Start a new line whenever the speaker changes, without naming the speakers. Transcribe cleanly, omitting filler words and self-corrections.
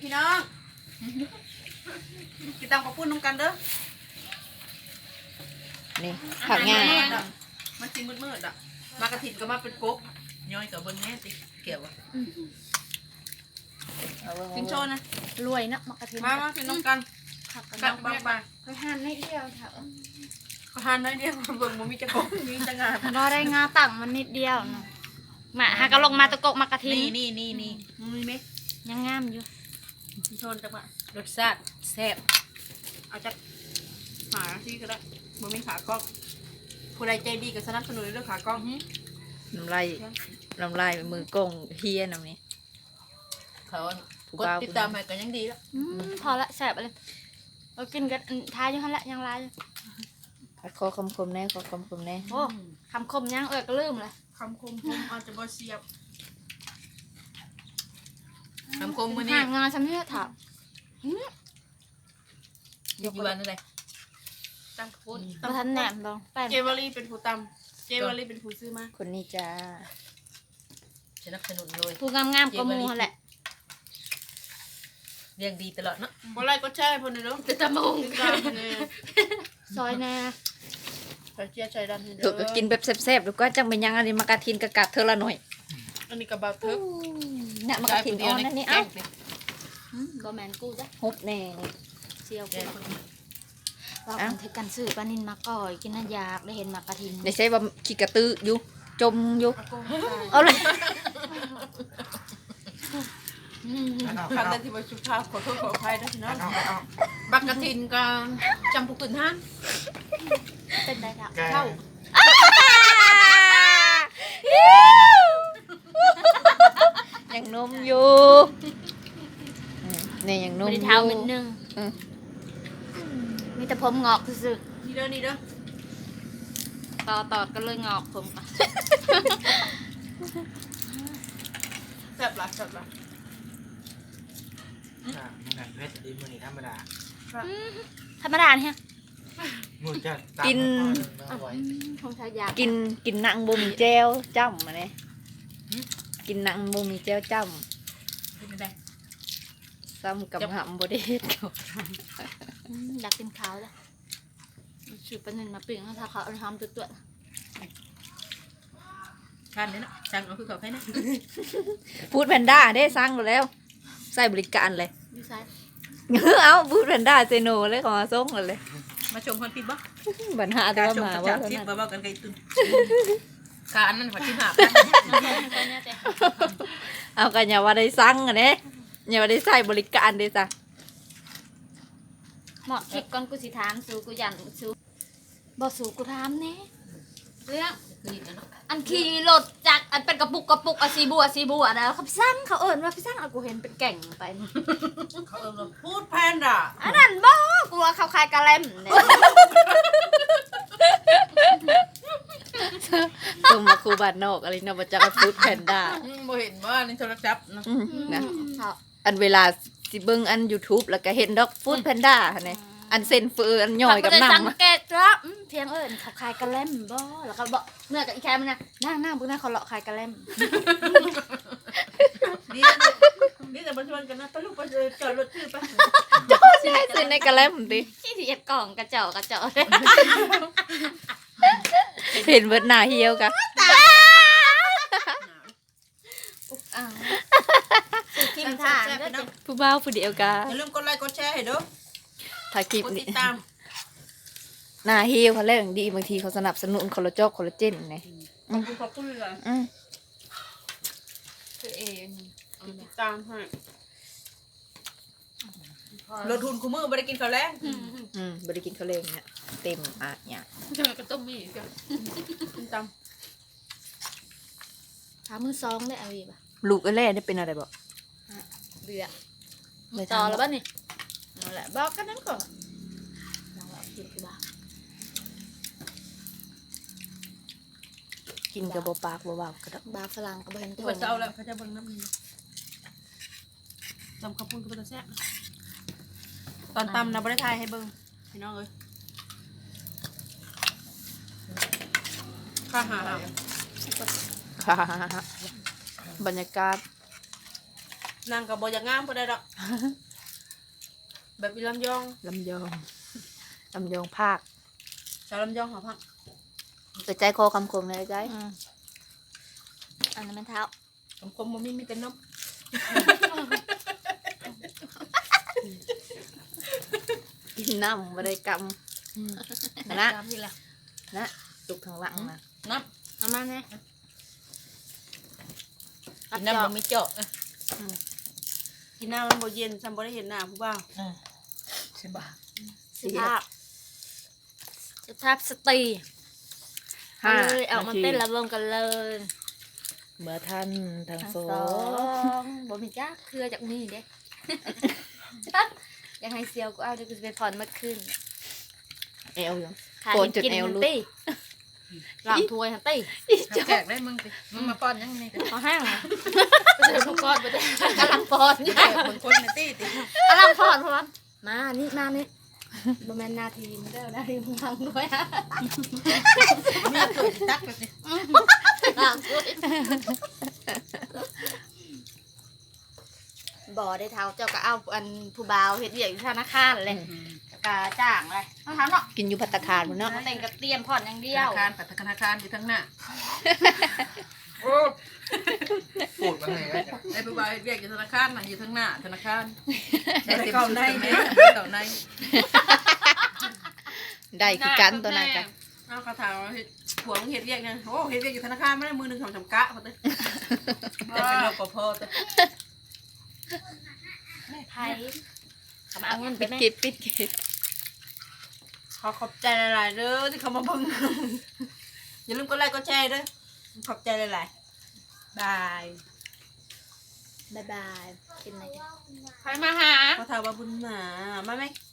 พี่น้องกินตังปะปุ้นน้ำกันเด้อ
นี่ผักง่าย
มันจริงมืดๆอ่ะมากระถิ่นก็มาเป็นกบย้อยกับเบิ้งแง่ติเกี่ยวอ่ะกินโชว์นะ
รวยนะมากระถิ่น
มากินน้ำกันกันบาง
ไปหั่นให้เดียวเถอะ
ขอทานน้อยเดียวเบิ่งมันมีจะกบมีจะงา
พอได้งาตั้งมันนิดเดียวนะมาหากระลงมาตะกกมากระถิ่น
นี่มีไหม
ยังงามอยู่
กินโชว์จังหวะรสชาติแซ่บเอาจากหาที่ก็ได้มันมีขากล้องผู้ใดใจดีก็สนับสนุนเรื่องขากล้อง
น้ำลายมือกงเฮียน้ำนี้
เขากดติดตามให้กันยังดีแล้ว
พอละแซ่บเลยเรากินกันทายอยู่หั่นละยังลาย
คอคมๆแน่คอคมๆแน่
โอ้คำคมยังก็ลืมเลย
คำคมอาจจะบ่เสียบคำคมมื้อนี้
ห่างงานฉันไม่ได้ถาม
อยู่วันอะไรตั้งพูด
มาทันแหนมลองแป้ง
เจวารีเป็นผู้ตำเจวารีเป็นผู้ซื้อมา
คนนี้จ้า
สนับสนุนเลย
ผู้งามๆก็มูแหละ
เรียงดีตลอดเนาะบ่ไรก็ใช่พอนี่เนาะจะตะมง
ซอยแน่
ใส่เจียใส่ดันให้เด้อ
ถูกก็กินแบบแซ่บๆแล้วก็จังเป็นยังอันนี้มากระทินกะกัดเธอละหน่อย
อันนี้กระบะเทิบ
เนี่ยมากระทินอ่อนนั่นนี่เอ้า
บะแมนกูจ้ะ
ฮุบแน่
เชียวกูเราคนเทกันซื้อปลานินมาก่อยกินน่ายากได้เห็นมากระทิน
ได้ใช้ว่าขี้กระตืออยู่จมอยู่เอาเลย
ครั้งแรกที่มาชุบชาขอโทษขออภัยด้วยนะบักกระทินกับจำปุกตุนท่าน
เป็นไรครับ
เข้า
ยังนมอยู่เนี่ยยังนมอยู่
เท้านิดนึงมีแต่ผมงอกซื่อ
นี่เด้อ
ต่อก็เลยงอกผม
แซ่บละ
มันเพชรดีมือนี่ธรรมดา
เนี่ย
กินกินหนังบ่มีแจ่วจ้ำมาเนี่ยกินหนังบ่มีแจ่วจ้ำซ้ำกับหำบ่ได้เฮ็ดเขา
อยากกินข้าวเลยสืบปนินมาปิ้งให้เขาเอาทำตัว
คันเลยเนาะสั่งเอาคือเขาให้นะ
พูดแพนด้าได้สั่งแล้วใส่บริการเลย
ยูไซ
เอาพูดแพนด้าเซโนเลยขอส่งเลย
มาชมคนผิดบ่
บัญหาตัวมาว่า
ชิปบ่กันไกลตุนการนั้นขอชิมหา
เอากันอย่าว่าได้สั่งอันนี้อย่าว่าได้ใส่บริการได้จ้ะ
เหมาะคลิปก่อนกูสิถามสู้กูยันสู้บ่สู้กูถามเน่เรื่องอันขี่รถจากอันเป็นกระปุกอะสีบัวนะเขาสั่งเขาเอิญว่าพี่สั่งเอากูเห็นเป็นแก่งไป
เขาเอิญว่าพูดแพนด้า
อันนั้นบ่กูว่าเขาคายกะเล่มเนี่ย
ตุ้มมาคูบานนอกอะไรนะมาจากพูดแพนด้า
บ่เห็นว่าในโทรศัพท์
นะอันเวลาสิเบิ่งอัน YouTube แล้วก็เห็นดอกฟูดแพนด้าเนี่ยอันเซนเฟอร์อันย่อยกับน้ำ
สังเกตแล้วเพียงเอิญเขาคายกะเล่มบ่แล้วก็บอกเมื่อกับอีแคมนะนั่งพวกนั้นเขาเลาะคายกะเล่ม
นี่แต่มาชวนกันนะไปลูกไปจอดรถชื่อไป
จอดใช่ซื้อในกะเล่มดิ
ที่ที่กล่องกระเจาะ
เห็นเบิดหน้าเหี่ยวกะ
ทิมทาง
ผู้บ่าวผู้เดียวกะ
อย่าลืมกดไลค์กดแชร์ให้ด้วย
ถ่ายคลิปนี่หน้าเหี่ยวเขาเล่นดีบางทีเขาสนับสนุนคอลลาเจนไง
ขอบคุณเลยตัวเองติดตามให้ลดทุนคุ้มมือบริกินข้าวแรง
บริกินข้าวแรงเนี่ยเต็มเนี่ย
จะมาก็ต้มมีกันตาม
ถามมือซองได้อะไรบ้าง
ลูกไอ้แร่ได้เป็นอะไรบ่
เบื่อต่อแล้วบ้านี่นั่นแหละบอกกันนั้นก่อน
กินกับปากบ่าวกระดับบา
ฝรั่งกับเห็น
ตัวเจ้าแล้วเขาจะเบิ่งน้ำมันตำข้าวปุ้นกับตัวแซ่บตอนตำนะบริไทยให้เบิ่งพี่น้องเอ้ยข้าหา
บรรยากาศ
นางกับบอยากงามพอได้ดอกแบบอีลำยอง
ลำยองลำยองภาค
สาวลำยองหอพัก
ใจคอคำคมเลยใจ
อันนั้นมันเท้า
คมๆมันมีแต่นม
กินน้ำบริกรรมนะ
ตามที่ละ
นะตุกทางหลังนะ
น้
เอามาไง
ำกินน้ำมันมีเจาะกินน้ำมันบ่เย็นซ้ำบ่ได้เห็นหน้าผู้บ่าว
ใช่ปะ
สุภาพสุภาพสตรีเอาเลยเอามาเต้นระบมกันเลย
เมื่อท่านทั้ง
ทั้ง
ส
ส
อ
อง งบ่มีจ้าเครือจากนี่เด้ ยังให้เซียวกูเอาเดี๋ยวกูจะไปผ่อนเมื่อคืน
เอวอยู่
ขา
โกนจน
กิน
เอว
มัน
ลุด
ตี้หลังถ้วยฮันตี้
แจกได้มึงสิมึงมาป้อนยังไงกัน
เอาห้างไปเจอทุกคนไปเจอกำลังปอนอยู่
คนคนในตี้ติ
กำลังปอนพร้อมมานี่มานี่บ่แม่นนาทีมเด้อนาทีมึงทำด้วยฮะ
มีตัวตักไปสิ
หลังถ้วยบ่ได้เท้าเจ้าก็เอาอันผู้บ่าวเฮ็ดเวียกอยู่ธนาคารเลยกะจ้างเลยต้องทำเนาะ
กินอยู่ภัตตาคารหมดเนาะ
มาแต่งกับเตรียมผ่อนอย่างเดี
ธ
ยว
นาคารปัตตธนาคารอยู่ทั้งหน้าโอ้พูดว่าไงวะจ๊ะไอ้ผู้บ่าวเรียกอยู่ธนาคารน่ะอยู่ทั้งหน้าธนาคารได้เก่าในเก่าใน
ได้คือกันตัวนั้นกัน
เอาคาถาผัวมึงเฮ็ดเรียกนะโอ้เฮ็ดเรียกอยู่ธนาคารไม่ได้มือหนึ่งสองกะพอเต้จะเป็นรปภเต้
ไทยเขามาเอาเงินไป
ปิด
แม่
กิบปิดกิบ
ขอขอบใจหลายๆเด้อที่เขามาเบิ่งอย่าลืมกดไลค์กดแชร์เด้อขอบใจหลายๆบาย
บ๊ายบายกินอะไรกัน
ใครมาหาเขาถามว่าบุญหมามาไหม